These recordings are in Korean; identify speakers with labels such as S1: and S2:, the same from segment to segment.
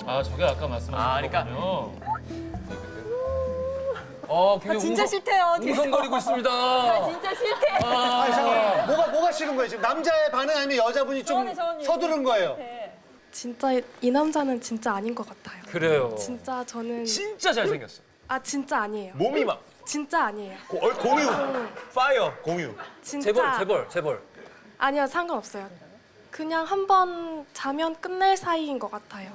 S1: 아, 저게 아까 말씀하신 거군요.
S2: 굉장히
S3: 진짜 싫대요.
S2: 웅성거리고 있습니다.
S3: 진짜 싫대.
S4: 아니, 잠깐만. 뭐가 싫은 거예요? 지금 남자의 반응 아니면 여자분이 좀 서두른 거예요?
S5: 진짜 이 남자는 진짜 아닌 것 같아요.
S2: 그래요.
S5: 진짜 저는
S2: 진짜 잘생겼어.
S5: 진짜 아니에요.
S6: 몸이 막
S5: 진짜 아니에요.
S6: 공유, 파이어, 공유.
S5: 진짜
S2: 재벌.
S5: 아니요, 상관없어요. 그냥 한 번 자면 끝낼 사이인 것 같아요.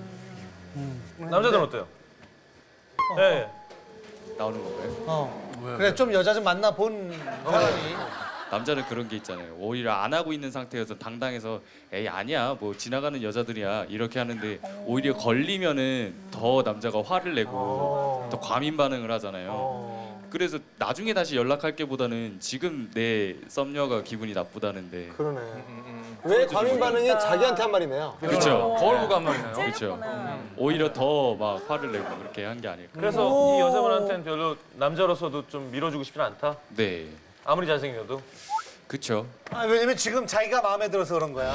S6: 남자들은 어때요? 네.
S7: 나오는 건가요?
S4: 그래, 좀 여자 좀 만나본 사람이.
S7: 남자는 그런 게 있잖아요. 오히려 안 하고 있는 상태여서 당당해서 에이 아니야 뭐 지나가는 여자들이야 이렇게 하는데 오히려 걸리면은 더 남자가 화를 내고 더 과민 반응을 하잖아요. 그래서 나중에 다시 연락할게보다는 지금 내 썸녀가 기분이 나쁘다는데.
S8: 그러네. 왜 과민 반응이 자기한테 한 말이네요.
S7: 그렇죠.
S2: 거울 보고 한 말이네요.
S7: 그렇죠. 오히려 더 막 화를 내고 그렇게 한 게 아닐까.
S6: 그래서 이 여자분한테는 별로 남자로서도 좀 밀어주고 싶진 않다?
S7: 네,
S6: 아무리 잘생겨도?
S7: 그렇죠.
S4: 왜냐면 지금 자기가 마음에 들어서 그런 거야.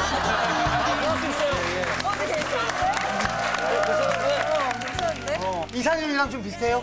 S4: 이상형이랑 좀 비슷해요?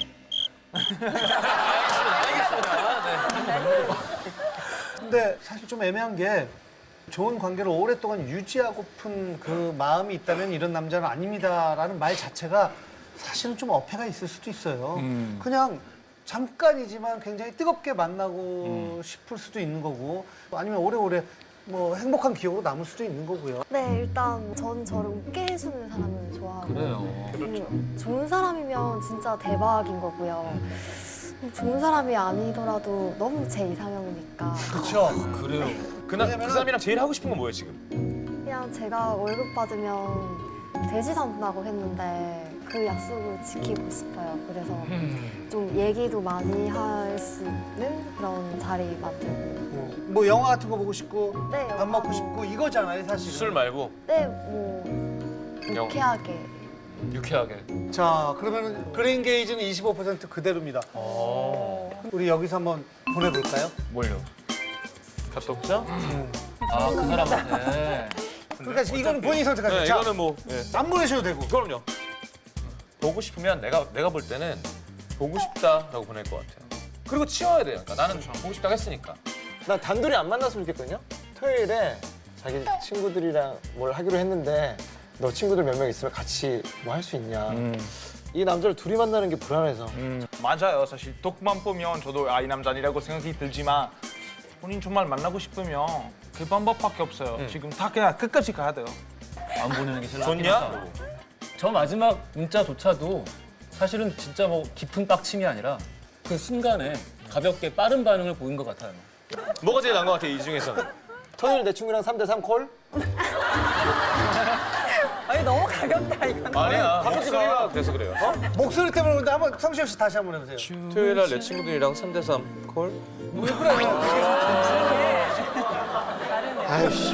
S4: 근데 사실 좀 애매한 게 좋은 관계를 오랫동안 유지하고픈 그 마음이 있다면 이런 남자는 아닙니다라는 말 자체가 사실은 좀 어폐가 있을 수도 있어요. 그냥 잠깐이지만 굉장히 뜨겁게 만나고 싶을 수도 있는 거고 아니면 오래오래 뭐 행복한 기억으로 남을 수도 있는 거고요.
S9: 네, 일단 저는 저를 웃게 해주는 사람을 좋아하고 좋은 사람이면 진짜 대박인 거고요. 좋은 사람이 아니더라도 너무 제 이상형이니까
S4: 그렇죠.
S6: 그래요. 그 사람이랑 제일 하고 싶은 건 뭐예요, 지금?
S9: 그냥 제가 월급 받으면 돼지 산다고 했는데 그 약속을 지키고 싶어요. 그래서 좀 얘기도 많이 할 수 있는 그런 자리 만들고
S4: 뭐 영화 같은 거 보고 싶고
S9: 네,
S4: 밥 먹고 싶고 이거잖아요, 사실.
S6: 술 말고?
S9: 네, 뭐 유쾌하게
S2: 유쾌하게.
S4: 자, 그러면 그린 게이지는 25% 그대로입니다. 우리 여기서 한번 보내볼까요?
S2: 뭘요?
S6: 카톡장?
S1: 아, 그 사람한테.
S4: 그러니까 이거는 본인이 선택하세요.
S6: 네,
S4: 자,
S6: 이거는 뭐. 예.
S4: 안 보내셔도 되고.
S6: 그럼요. 보고 싶으면 내가 볼 때는 보고 싶다라고 보낼 것 같아요. 그리고 치워야 돼요. 그러니까 나는 보고 싶다고 했으니까.
S8: 난 단둘이 안 만났으면 좋겠거든요. 토요일에 자기 친구들이랑 뭘 하기로 했는데 너 친구들 몇 명 있으면 같이 뭐 할 수 있냐. 이 남자를 둘이 만나는 게 불안해서.
S10: 맞아요. 사실 톡만 보면 저도 이 남자니라고 생각이 들지만 본인 정말 만나고 싶으면 그 방법밖에 없어요. 지금 다 그냥 끝까지 가야 돼요.
S1: 안 보내는 게 제일
S6: 좋냐?
S1: 저 마지막 문자조차도 사실은 진짜 뭐 깊은 빡침이 아니라 그 순간에 가볍게 빠른 반응을 보인 것 같아요.
S6: 뭐가 제일 나은 것 같아, 이 중에서는?
S8: 토요일 내 친구랑 3대3 콜?
S3: 아니 너무 가볍다 이거.
S6: 아니야. 목소리가 그래서 그래요.
S4: 목소리 때문에 그런데 한번 성시혁 씨 다시 한번 해보세요.
S6: 토요일 날 내 친구들이랑 3대3 콜?
S4: 왜 그래요?
S8: 아이씨.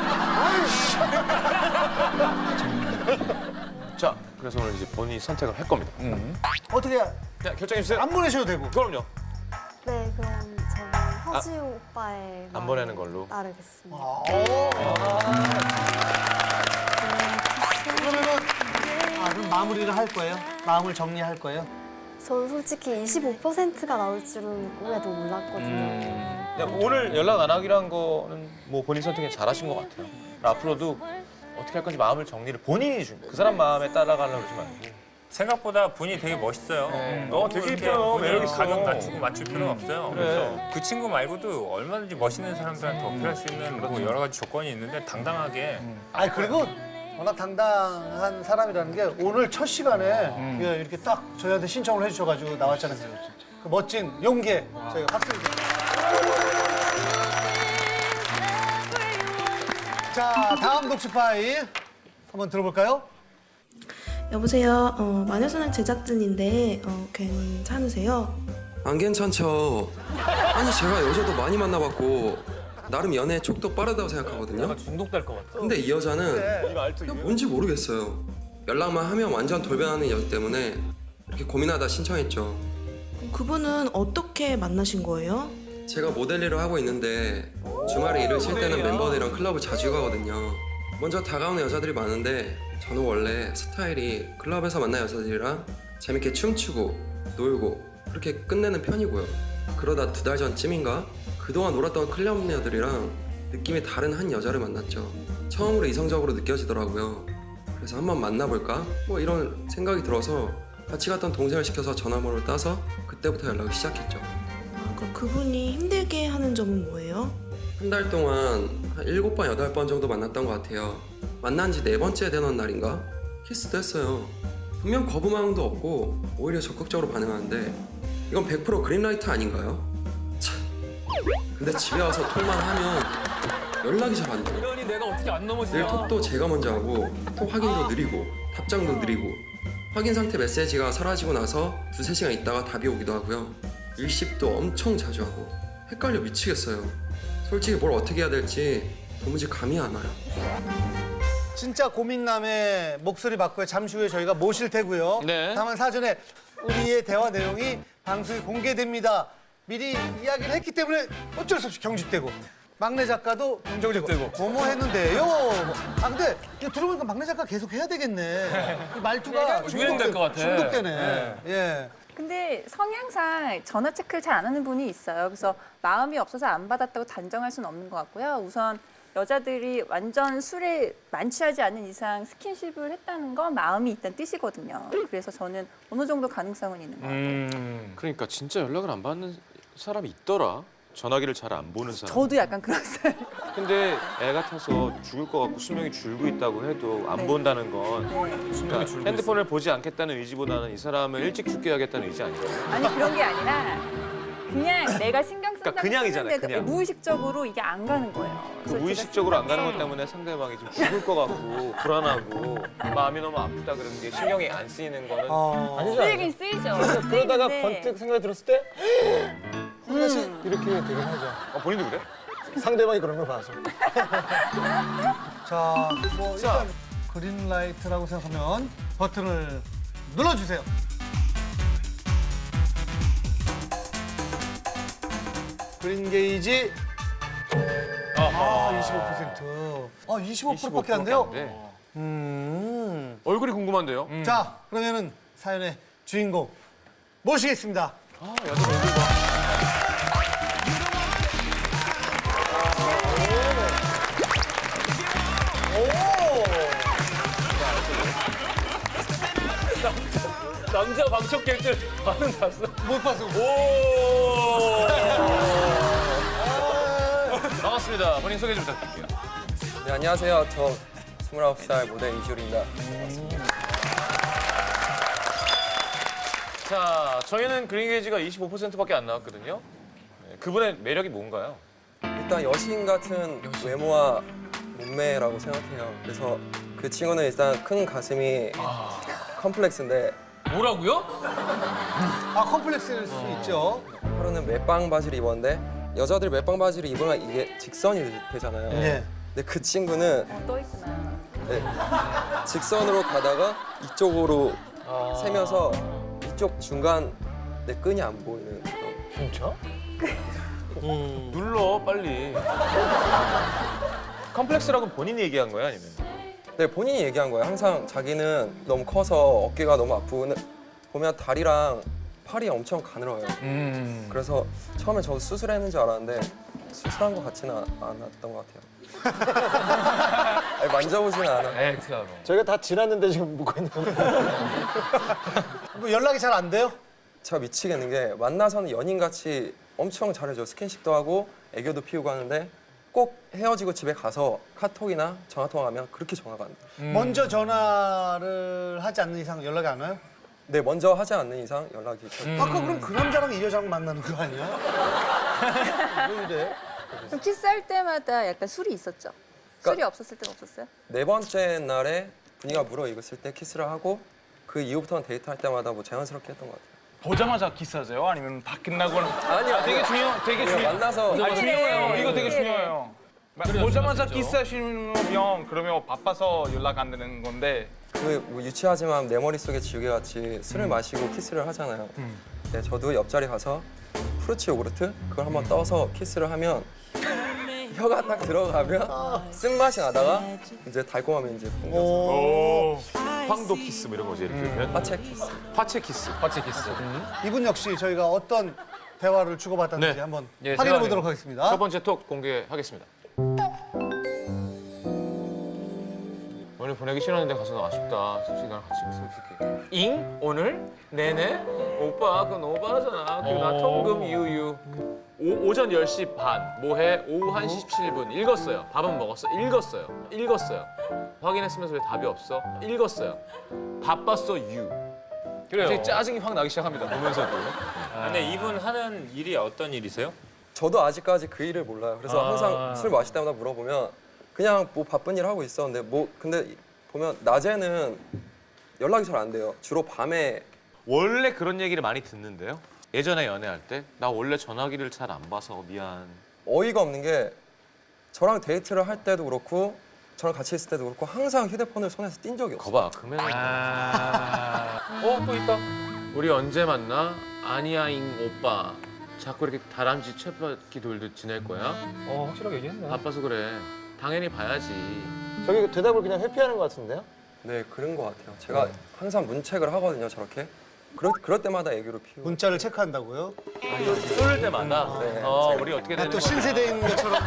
S6: 자, 그래서 오늘 이제 본인이 선택을 할 겁니다.
S4: 어떻게
S6: 자, 결정해주세요.
S4: 안 보내셔도 되고.
S6: 그럼요.
S9: 네, 그럼 저는 허지웅 오빠의
S6: 안 보내는 걸로.
S9: 따르겠습니다.
S4: 그러면은 그럼 마무리를 할 거예요? 마음을 정리할 거예요?
S9: 저는 솔직히 25%가 나올 줄은 꿈에도 몰랐거든요.
S6: 그냥 오늘 연락 안 하기로 한 거는 뭐 본인 선택에 잘하신 것 같아요. 앞으로도 어떻게 할 건지 마음을 정리를 본인이 준 거예요. 그 사람 마음에 따라가려고 그러지 말고.
S11: 생각보다 본인이 되게 멋있어요.
S6: 되게 이뻐요. 매력 있어.
S11: 가격 낮추고 맞출 필요는 없어요.
S6: 그래.
S11: 그 친구 말고도 얼마든지 멋있는 사람들한테 어필할 수 있는 뭐 여러 가지 조건이 있는데 당당하게
S4: 아니 그리고 워낙 당당한 사람이라는 게 오늘 첫 시간에 이렇게 딱 저희한테 신청을 해주셔가지고 나왔잖아요. 그 멋진 용기에 저희가 박수를 드립니다. 자, 다음 녹취 파일 한번 들어볼까요?
S5: 여보세요. 마녀사냥 제작진인데 괜찮으세요?
S12: 안 괜찮죠. 아니 제가 여자도 많이 만나봤고 나름 연애에 촉도 빠르다고 생각하거든요.
S1: 중독될 것 같아.
S12: 근데 이 여자는 그냥 뭔지 모르겠어요. 연락만 하면 완전 돌변하는 여자 때문에 이렇게 고민하다 신청했죠.
S5: 그분은 어떻게 만나신 거예요?
S12: 제가 모델 일을 하고 있는데 주말에 일을 쉴 때는 멤버들이랑 클럽을 자주 가거든요. 먼저 다가오는 여자들이 많은데 저는 원래 스타일이 클럽에서 만난 여자들이랑 재밌게 춤추고 놀고 그렇게 끝내는 편이고요. 그러다 2달 전쯤인가 그동안 놀았던 클럽녀들이랑 느낌이 다른 한 여자를 만났죠. 처음으로 이성적으로 느껴지더라고요. 그래서 한번 만나볼까? 뭐 이런 생각이 들어서 같이 갔던 동생을 시켜서 전화번호를 따서 그때부터 연락을 시작했죠.
S13: 그럼 그분이 힘들게 하는 점은 뭐예요?
S12: 한 달 동안 한 7번, 8번 정도 만났던 것 같아요. 만난 지 4번째 되는 날인가? 키스도 했어요. 분명 거부망도 없고 오히려 적극적으로 반응하는데 이건 100% 그린라이트 아닌가요? 참. 근데 집에 와서 톡만 하면 연락이 잘 안 돼요.
S2: 이러니 내가 어떻게 안
S12: 늘
S2: 넘어지냐.
S12: 톡도 제가 먼저 하고 톡 확인도 느리고 답장도 느리고 확인 상태 메시지가 사라지고 나서 2-3시간 있다가 답이 오기도 하고요. 일십도 엄청 자주 하고 헷갈려 미치겠어요. 솔직히 뭘 어떻게 해야 될지 도무지 감이 안 와요.
S4: 진짜 고민남의 목소리 받고요. 잠시 후에 저희가 모실 테고요.
S2: 네.
S4: 다만 사전에 우리의 대화 내용이 방송에 공개됩니다. 미리 이야기를 했기 때문에 어쩔 수 없이 경직되고 막내 작가도 경직되고 뭐뭐 했는데요. 근데 이거 들어보니까 막내 작가 계속 해야 되겠네. 이 말투가
S2: 유행될 것 같아.
S4: 중독되네.
S2: 네.
S4: 예.
S3: 근데 성향상 전화 체크를 잘 안 하는 분이 있어요. 그래서 마음이 없어서 안 받았다고 단정할 수는 없는 것 같고요. 우선 여자들이 완전 술에 만취하지 않는 이상 스킨십을 했다는 건 마음이 있다는 뜻이거든요. 그래서 저는 어느 정도 가능성은 있는 것 같아요.
S6: 그러니까 진짜 연락을 안 받는 사람이 있더라. 전화기를 잘 안 보는 사람.
S3: 저도 약간 그런 스타일.
S6: 근데 애 같아서 죽을 것 같고 수명이 줄고 있다고 해도 안
S3: 네.
S6: 본다는 건
S3: 네.
S6: 그러니까 핸드폰을 보지 않겠다는 의지보다는 이 사람을 일찍 죽게 하겠다는 의지 아닌가요?
S3: 아니 그런 게 아니라 그냥 내가 신경 쓴다고
S6: 그러니까 그냥이잖아요,
S3: 쓰는데도
S6: 그냥.
S3: 무의식적으로 이게 안 가는 거예요.
S6: 그
S3: 그래서
S6: 무의식적으로 안 가는
S3: 제가
S6: 것 때문에 상대방이 좀 죽을 것 같고 불안하고 마음이 너무 아프다 그러는 게 신경이 안 쓰이는 거는
S8: 아니죠.
S3: 쓰이긴 쓰이죠.
S8: 그러다가
S3: 쓰이는데
S8: 번뜩 생각이 들었을 때 이렇게 되긴 하죠.
S6: 본인도 그래?
S8: 상대방이 그런 걸 봐서.
S4: 자, 뭐 일단 그린라이트라고 생각하면 버튼을 눌러주세요. 그린 게이지 25%. 25%밖에 안 돼요?
S6: 얼굴이 궁금한데요?
S4: 자, 그러면은 사연의 주인공 모시겠습니다.
S6: 여자 얼굴 봐.
S2: 남자 방청 객들 반응 봤어?
S4: 못 봤어.
S6: 반갑습니다. 본인 소개 좀 부탁드릴게요.
S12: 네, 안녕하세요. 저 29살 모델 이시울입니다.
S6: 자, 저희는 그린 게이지가 25%밖에 안 나왔거든요. 네, 그분의 매력이 뭔가요?
S12: 일단 여신 같은 외모와 몸매라고 생각해요. 그래서 그 친구는 일단 큰 가슴이 컴플렉스인데
S2: 뭐라고요?
S4: 컴플렉스일 수 있죠.
S12: 하루는 멜빵 바지를 입었는데 여자들이 멜빵 바지를 입으면 이게 직선이 되잖아요.
S4: 네.
S12: 근데 그 친구는
S3: 또 있구나.
S12: 네, 직선으로 가다가 이쪽으로 세면서 이쪽 중간 내 끈이 안 보이는 그런.
S8: 진짜?
S6: 눌러, 빨리. 컴플렉스라고 본인이 얘기한 거야, 아니면?
S12: 네, 본인이 얘기한 거예요. 항상 자기는 너무 커서 어깨가 너무 아프고 보면 다리랑 팔이 엄청 가늘어요. 그래서 처음에 저도 수술했는 줄 알았는데 수술한 것 같지는 않았던 것 같아요. 아니, 만져보지는 않아.
S2: 액트하러.
S8: 저희가 다 지났는데 지금 묻고 있는 거예요.
S4: 뭐 연락이 잘 안 돼요?
S12: 제가 미치겠는 게 만나서는 연인같이 엄청 잘해줘. 스킨십도 하고 애교도 피우고 하는데 꼭 헤어지고 집에 가서 카톡이나 전화통화하면 그렇게 전화가 안 돼요.
S4: 먼저 전화를 하지 않는 이상 연락이 안 와요?
S12: 네, 먼저 하지 않는 이상 연락이
S4: 아까 그럼 그 남자랑 이 여자랑 만나는 거 아니야? 왜 이래?
S3: 그럼 키스할 때마다 약간 술이 있었죠? 술이 없었을 때는 없었어요?
S12: 4번째 날에 분위기가 무르익었을 때 키스를 하고 그 이후부터는 데이트할 때마다 뭐 자연스럽게 했던 것 같아요.
S10: 보자마자 키스하세요? 아니면 다 끝나거나?
S12: 아니요,
S10: 되게 중요해요.
S12: 만나서
S10: 아니, 중요해요. 이거 되게
S3: 네.
S10: 중요해요. 보자마자 키스하시면 그러면 바빠서 연락 안 되는 건데
S12: 뭐 유치하지만 내 머릿속에 지우개같이 술을 마시고 키스를 하잖아요. 네, 저도 옆자리 가서 프루치 요구르트 그걸 한번 떠서 키스를 하면 혀가 딱 들어가면 쓴맛이 나다가 이제 달콤함이 이제 풍겨서
S6: 황도 키스 뭐 이런 거지 이렇게.
S12: 화채 키스.
S6: 화채 키스.
S2: 화채 키스.
S4: 이분 역시 저희가 어떤 대화를 주고받았는지
S6: 네.
S4: 한번
S2: 예,
S4: 확인해
S2: 제가
S4: 보도록 하겠습니다.
S6: 첫 번째 톡 공개하겠습니다. 오늘 보내기 싫었는데 가서 아쉽다. 솔직히 나랑 같이 있어. 잉? 오늘? 네네? 오빠 그건 오바잖아. 그리고 나 통금 유유. 오전 10시 반. 뭐해? 오후 1시 17분. 읽었어요. 밥은 먹었어? 읽었어요. 읽었어요. 확인했으면서 왜 답이 없어? 읽었어요. 바빴어 유.
S2: 그래요.
S6: 갑자기 짜증이 확 나기 시작합니다. 보면서도.
S11: 근데 이분 하는 일이 어떤 일이세요?
S12: 저도 아직까지 그 일을 몰라요. 그래서 항상 술 마실 때마다 물어보면 그냥 뭐 바쁜 일 하고 있었는데 뭐 근데 보면 낮에는 연락이 잘 안 돼요. 주로 밤에.
S6: 원래 그런 얘기를 많이 듣는데요. 예전에 연애할 때 나 원래 전화기를 잘 안 봐서 미안.
S12: 어이가 없는 게 저랑 데이트를 할 때도 그렇고 저랑 같이 있을 때도 그렇고 항상 휴대폰을 손에서 띈 적이 없어요.
S6: 거봐, 그러면 또 있다. 우리 언제 만나? 아니야잉 오빠. 자꾸 이렇게 다람쥐 쳇바퀴 돌듯 지낼 거야?
S2: 확실하게 얘기했네.
S6: 바빠서 그래. 당연히 봐야지.
S8: 저기 대답을 그냥 회피하는 것 같은데요?
S12: 네, 그런 것 같아요. 제가 항상 문책을 하거든요, 저렇게. 그럴 때마다 애교를 피우고.
S4: 문자를 체크한다고요?
S6: 쏠 때마다.
S12: 네,
S6: 우리 어떻게 되는
S4: 또
S6: 거야?
S4: 신세대인 것처럼.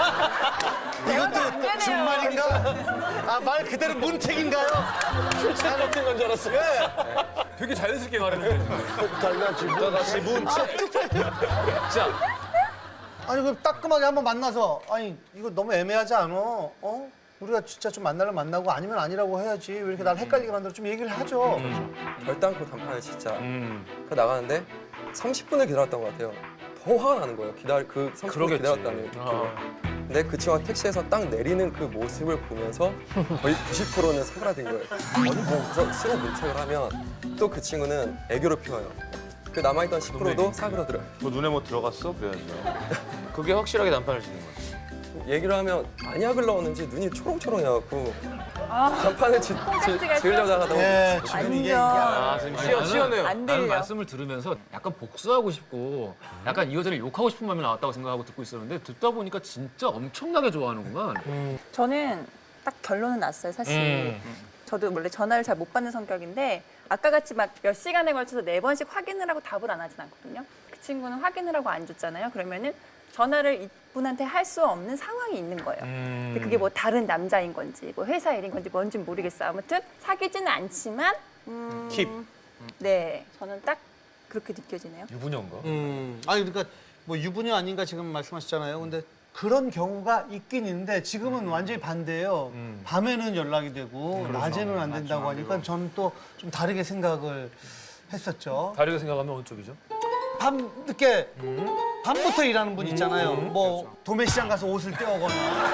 S4: 이것도 준말인가? 아, 말 그대로 문책인가요?
S8: 잘못된 건 줄 알았어.
S2: 되게 자연스럽게 말했는데.
S8: 달라지 문책.
S6: 자,
S4: 아니 그 따끔하게 한번 만나서 아니 이거 너무 애매하지 않아? 어? 우리가 진짜 좀 만나면 만나고 아니면 아니라고 해야지 왜 이렇게 날 헷갈리게 만들어 좀 얘기를 하죠.
S12: 결단코 단판에 진짜. 그 나가는데 30분을 기다렸던 것 같아요. 더 화가 나는 거예요. 그 30분 기다렸다는. 근데 그 친구가 택시에서 딱 내리는 그 모습을 보면서 거의 90%는 사그라든 거예요. 그래서 스로 문책을 하면 또 그 친구는 애교를 피워요. 그 남아있던 10%도 사그라들어요.
S6: 뭐 눈에 뭐 들어갔어? 그래야죠. 그게 확실하게 난판을 치는 거지.
S12: 얘기를 하면 안약을 넣었는지 눈이 초롱초롱해갖고 간판을 지으려고 하다가
S4: 예, 지금 이게
S6: 지금 시원해요.
S3: 안
S1: 나는
S3: 들려.
S1: 말씀을 들으면서 약간 복수하고 싶고 약간 이 여자를 욕하고 싶은 마음이 나왔다고 생각하고 듣고 있었는데 듣다 보니까 진짜 엄청나게 좋아하는구만.
S3: 저는 딱 결론은 났어요, 사실. 저도 원래 전화를 잘 못 받는 성격인데 아까 같이 막 몇 시간에 걸쳐서 4번씩 확인을 하고 답을 안 하진 않거든요. 그 친구는 확인을 하고 안 줬잖아요. 그러면은 전화를 이분한테 할 수 없는 상황이 있는 거예요. 근데 그게 뭐 다른 남자인 건지 뭐 회사 일인 건지 뭔지 모르겠어요. 아무튼 사귀지는 않지만
S6: 킵.
S3: 네, 저는 딱 그렇게 느껴지네요.
S2: 유부녀인가?
S4: 아니 그러니까 뭐 유부녀 아닌가 지금 말씀하셨잖아요. 근데 그런 경우가 있긴 있는데 지금은 완전히 반대예요. 밤에는 연락이 되고 낮에는 안 된다고 하니까 저는 또 좀 다르게 생각을 했었죠.
S2: 다르게 생각하면 어느 쪽이죠?
S4: 밤 늦게 밤부터 일하는 분 있잖아요. 뭐 도매시장 가서 옷을 떼오거나.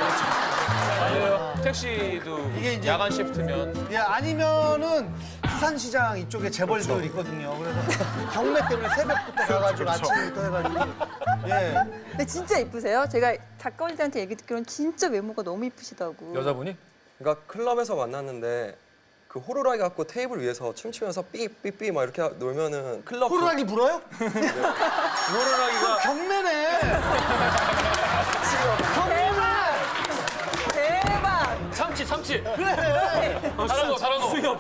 S6: 택시도
S4: 이게 이제-
S6: 야간 시프트면
S4: 예, 아니면은 수산시장 이쪽에 재벌들 있거든요. 그래서 경매 때문에 새벽부터 가가지고 아침부터 해가지고. 예.
S3: 근데 진짜 이쁘세요. 제가 작가분들한테 얘기 듣기로는 진짜 외모가 너무 이쁘시다고.
S2: 여자분이?
S12: 그러니까 클럽에서 만났는데 그 호루라기 갖고 테이블 위에서 춤추면서 삐삐삐 막 이렇게 놀면은 클럽
S4: 호루라기 불어요?
S6: 호루라기가
S4: 경매네.
S3: 대박!
S2: 참치.
S4: 그래.
S2: 잘한 거. 수협.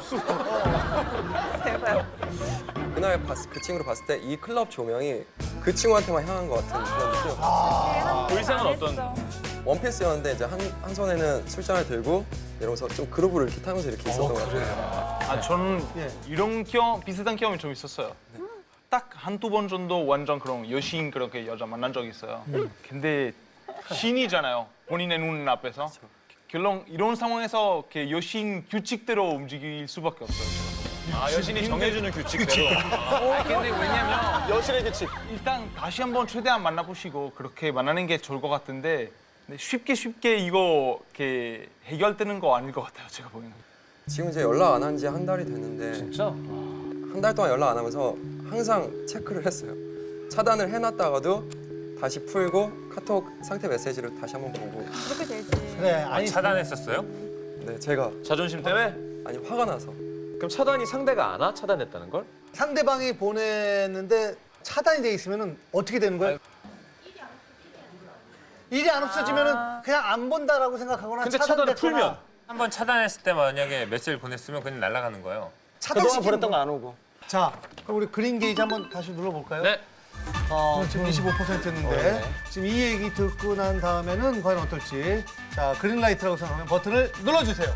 S3: 대박.
S12: 그날 그 친구를 봤을 때 이 클럽 조명이 그 친구한테만 향한 것 같은 그런 느낌.
S2: 의상은 어떤?
S12: 원피스였는데 이제 한 손에는 술잔을 들고 이러면서 좀 그루브를 이렇게 타면서 이렇게 있었던 것 같아요.
S10: 아, 저는 이런 비슷한 경험이 좀 있었어요. 딱 한두 번 정도 완전 그런 여신 그렇게 여자 만난 적이 있어요. 근데 신이잖아요. 본인의 눈 앞에서. 결론 이런 상황에서 이렇게 여신 규칙대로 움직일 수밖에 없어요.
S6: 아, 여신이 정해주는 규칙대로.
S10: 근데 왜냐면 여신의 규칙. 일단 다시 한번 최대한 만나보시고 그렇게 만나는 게 좋을 것 같은데 근데 쉽게 이거 이렇게 해결되는 거 아닐 것 같아요. 제가 보기에는.
S12: 지금 이제 연락 안 한 지 한 달이 됐는데
S2: 진짜?
S12: 한 달 동안 연락 안 하면서 항상 체크를 했어요. 차단을 해놨다가도 다시 풀고 카톡 상태 메시지를 다시 한번 보고.
S3: 그렇게 되지.
S4: 그래. 아니
S11: 차단했었어요?
S12: 네, 제가
S6: 자존심 때문에?
S12: 아니 화가 나서.
S6: 그럼 차단이 상대가 안 와? 차단했다는 걸?
S4: 상대방이 보냈는데 차단이 돼 있으면은 어떻게 되는 거예요? 일이 안 없어지면은 그냥 안 본다라고 생각하거나
S11: 근데
S4: 차단됐거나.
S11: 차단을 풀면 한번 차단했을 때 만약에 메시지를 보냈으면 그냥 날아가는 거예요.
S8: 그동안 보냈던 거 안 오고.
S4: 자, 그럼 우리 그린 게이지 한번 다시 눌러볼까요?
S6: 네.
S4: 지금 25%였는데
S8: 네.
S4: 지금 이 얘기 듣고 난 다음에는 과연 어떨지. 자, 그린라이트라고 생각하면 버튼을 눌러주세요.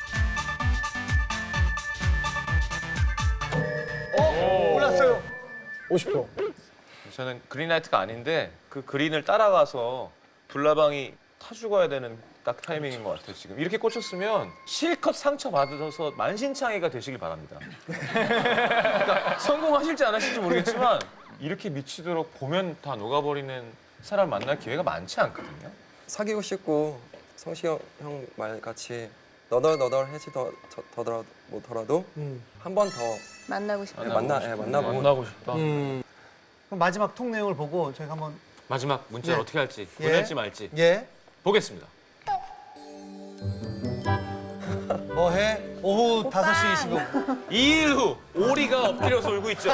S4: 올랐어요.
S8: 50%.
S6: 저는 그린라이트가 아닌데 그 그린을 따라가서 불나방이 타 죽어야 되는 딱 타이밍인 것 같아요. 지금 이렇게 꽂혔으면 실컷 상처 받으셔서 만신창이가 되시길 바랍니다. 그러니까 성공하실지 안 하실지 모르겠지만 이렇게 미치도록 보면 다 녹아버리는 사람 만날 기회가 많지 않거든요.
S12: 사귀고 싶고 성시 형 말같이 너덜너덜해지더라도 못하라도 한 번 더
S3: 만나고 싶어요.
S12: 만나보고
S6: 싶다.
S4: 그럼 마지막 통 내용을 보고 저희가 한번
S6: 마지막 문자를
S4: 예.
S6: 어떻게 할지
S4: 예.
S6: 보낼지 말지
S4: 예.
S6: 보겠습니다.
S4: 뭐해? 오후 5시 25분.
S6: 2일 후 오리가 엎드려서 울고 있죠.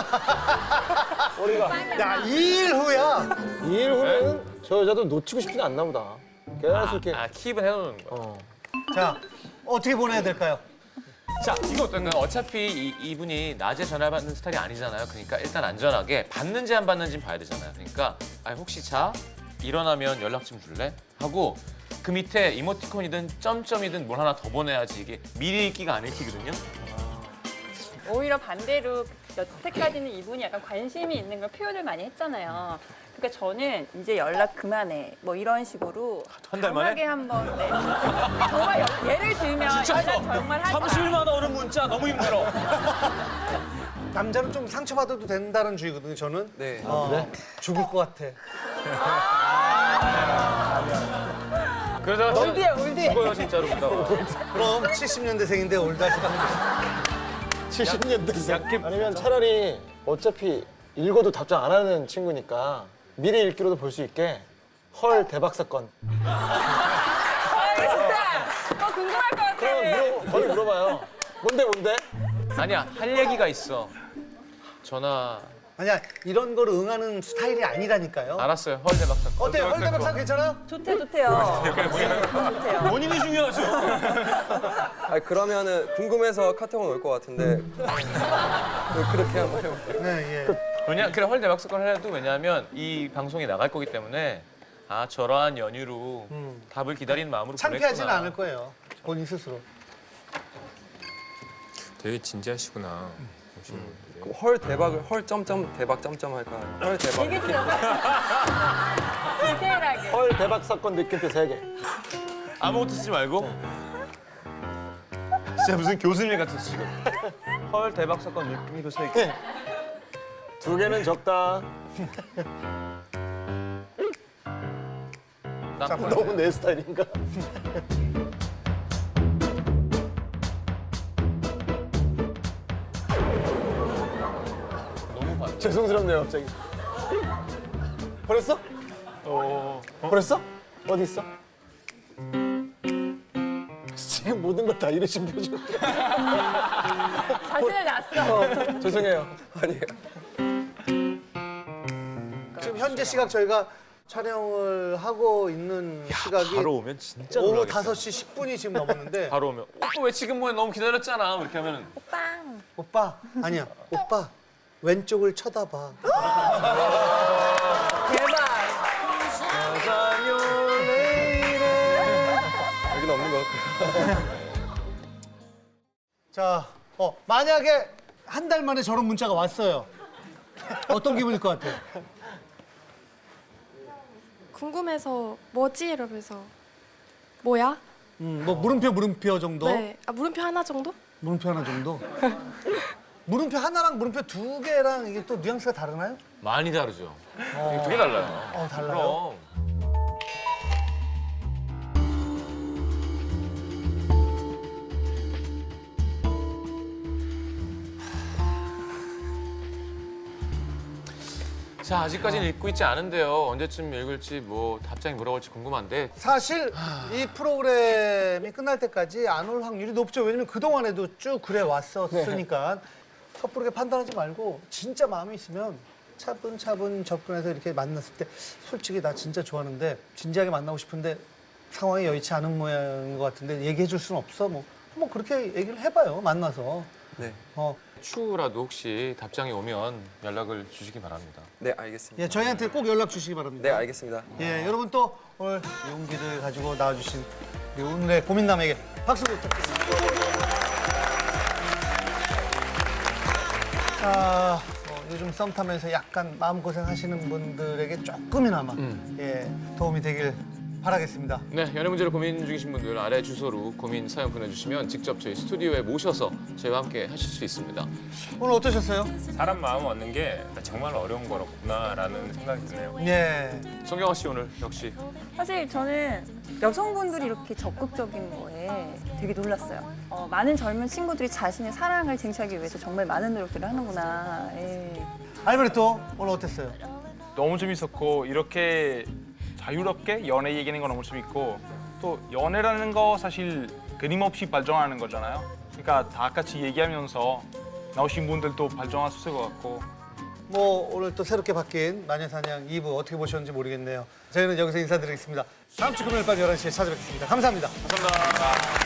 S4: 야, 2일 후야.
S8: 2일 후면은 저 여자도 놓치고 싶진 않나 보다. 계속 이렇게.
S6: 킵은 해놓는 거.
S4: 자, 어떻게 보내야 될까요?
S6: 자, 이거 어떤가요? 어차피 이분이 낮에 전화 받는 스타일이 아니잖아요. 그러니까 일단 안전하게 받는지 안 받는지 봐야 되잖아요. 그러니까 혹시 자 일어나면 연락 좀 줄래? 하고 그 밑에 이모티콘이든 점점이든 뭘 하나 더 보내야지 이게 미리 읽기가 안 읽히거든요.
S3: 오히려 반대로 여태까지는 이분이 약간 관심이 있는 걸 표현을 많이 했잖아요. 그러니까 저는 이제 연락 그만해 뭐 이런 식으로
S6: 한 달 만에?
S3: 강하게 한번 네. 정말 예를 들면 연락 정말 하지 마.
S6: 30일마다 오는 문자 너무 힘들어.
S4: 남자는 좀 상처받아도 된다는 주의거든요, 저는.
S12: 네.
S4: 그래? 죽을 것 같아.
S6: 그러다가
S3: 올드야, 올드.
S6: 죽어요 진짜로.
S4: 그럼 70년대생인데 올드하시다.
S8: 70년대생. 아니면 차라리 어차피 읽어도 답장 안 하는 친구니까 미리 읽기로도 볼 수 있게 헐 대박 사건.
S3: 좋다. 궁금할 것 같아.
S8: 그럼 거의 물어봐요. 뭔데?
S6: 아니야 할 얘기가 있어. 전화
S4: 아니야, 이런 거를 응하는 스타일이 아니라니까요.
S6: 알았어요. 헐 대박 사건.
S4: 어때요? 헐대박사 괜찮아요?
S3: 좋대요. 좋대요.
S6: 본인이 중요하죠.
S12: 그러면은 궁금해서 카톡은 올 것 같은데 그렇게 한번 해볼까요?
S4: 네, 예.
S6: 그래 헐 대박 사건을 해도 왜냐하면 이 방송이 나갈 거기 때문에 저러한 연유로 답을 기다리는 마음으로
S4: 창피하지는
S6: 보냈구나.
S4: 않을 거예요. 본인 스스로.
S11: 되게 진지하시구나.
S12: 그럼 헐 대박을 헐 점점 대박 점점 할까요? 헐 대박.
S3: 되게 디테일하게.
S8: 헐 대박 사건 느낌표 3개.
S6: 아무것도 쓰지 말고 진짜 무슨 교수님 같았어 지금. 헐 대박 사건 느낌이 세 개.
S8: 2개는 적다. 너무 내 스타일인가? 죄송스럽네요 갑자기. 버렸어? 버렸어? 어디 있어? 지금 모든 걸 다 이러신 표정.
S3: 자신을 놨어.
S8: 죄송해요.
S12: 아니에요.
S4: 지금 현재 시각 저희가 촬영을 하고 있는 시각이
S6: 바로 오면 진짜
S4: 오후
S6: 놀라겠다.
S4: 5시 10분이 지금 넘었는데
S6: 바로 오면 오빠 왜 지금 뭐해 너무 기다렸잖아 이렇게 하면은
S3: 빵.
S4: 오빠 아니야 오빠 왼쪽을 쳐다봐.
S3: 대박.
S12: 여기는 없는 것 같아요.
S4: 자, 만약에 한 달 만에 저런 문자가 왔어요. 어떤 기분일 것 같아요?
S5: 궁금해서 뭐지 이러면서 뭐야?
S4: 뭐 물음표 정도?
S5: 네. 물음표 하나 정도?
S4: 물음표 하나 정도? 물음표 하나랑 물음표 2개랑 이게 또 뉘앙스가 다르나요?
S6: 많이 다르죠. 되게 달라요.
S4: 달라요?
S6: 그럼. 자, 아직까지는 읽고 있지 않은데요. 언제쯤 읽을지 뭐 답장이 뭐라고 할지 궁금한데
S4: 사실 이 프로그램이 끝날 때까지 안 올 확률이 높죠. 왜냐면 그동안에도 쭉 그래 왔었으니까 섣부르게 판단하지 말고 진짜 마음이 있으면 차분차분 접근해서 이렇게 만났을 때 솔직히 나 진짜 좋아하는데 진지하게 만나고 싶은데 상황이 여의치 않은 모양인 것 같은데 얘기해 줄 수는 없어? 뭐 한번 그렇게 얘기를 해봐요. 만나서.
S12: 네.
S6: 추후라도 혹시 답장이 오면 연락을 주시기 바랍니다.
S12: 네, 알겠습니다.
S4: 예, 저희한테 꼭 연락 주시기 바랍니다.
S12: 네, 알겠습니다.
S4: 예, 여러분 또 오늘 용기를 가지고 나와주신 우리 오늘의 고민남에게 박수 부탁드립니다. 자, 요즘 썸 타면서 약간 마음고생 하시는 분들에게 조금이나마 예, 도움이 되길 바라겠습니다.
S6: 네, 연애 문제로 고민 중이신 분들 아래 주소로 고민 사연 보내주시면 직접 저희 스튜디오에 모셔서 저희와 함께 하실 수 있습니다.
S4: 오늘 어떠셨어요?
S11: 사람 마음 얻는 게 정말 어려운 거구나라는 생각이 드네요.
S4: 예.
S6: 성경아 씨 오늘 역시
S3: 사실 저는 여성분들이 이렇게 적극적인 거에 되게 놀랐어요. 많은 젊은 친구들이 자신의 사랑을 쟁취하기 위해서 정말 많은 노력들을 하는구나. 예.
S4: 알베르토 오늘 어땠어요?
S10: 너무 재밌었고 이렇게 자유롭게 연애 얘기하는 거 너무 재밌고 또 연애라는 거 사실 끊임없이 발전하는 거잖아요. 그러니까 다 같이 얘기하면서 나오신 분들도 발전할 수 있을 것 같고
S4: 뭐 오늘 또 새롭게 바뀐 마녀사냥 2부 어떻게 보셨는지 모르겠네요. 저희는 여기서 인사드리겠습니다. 다음 주 금요일 밤 11시에 찾아뵙겠습니다. 감사합니다.
S6: 감사합니다.